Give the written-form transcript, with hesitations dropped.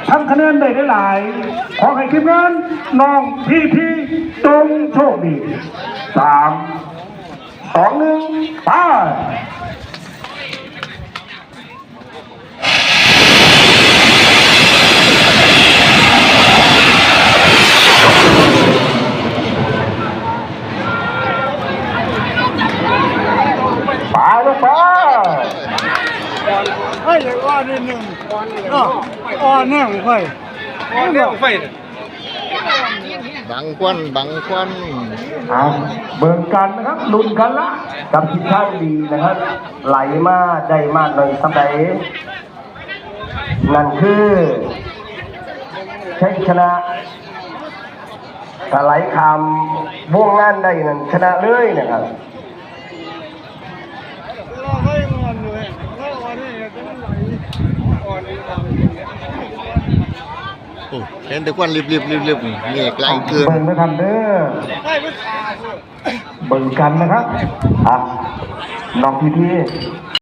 ทำคะแนนได้หลายขอให้ทีมงานน้องพี่จงโชคดี3 2 1ไปลูกไปให้เลยอ้อนนิดหนึ่งอ้อนแน่ไม่ค่อยอ้อนแน่ไม่ค่อยบังควันเบิ่งกันนะครับลุ้นกันละกับทีมชาติดีนะครับไหลมาได้มากเลยสัปดาห์นั่นคือชัยชนะถ้าไหลคำวงงานได้นั่นชนะเลยนะครับเห็นแต่ควันรีบนี่ไกลเกินเบิ่งนะครับเด้อเบิ่งกันนะครับน้องพี่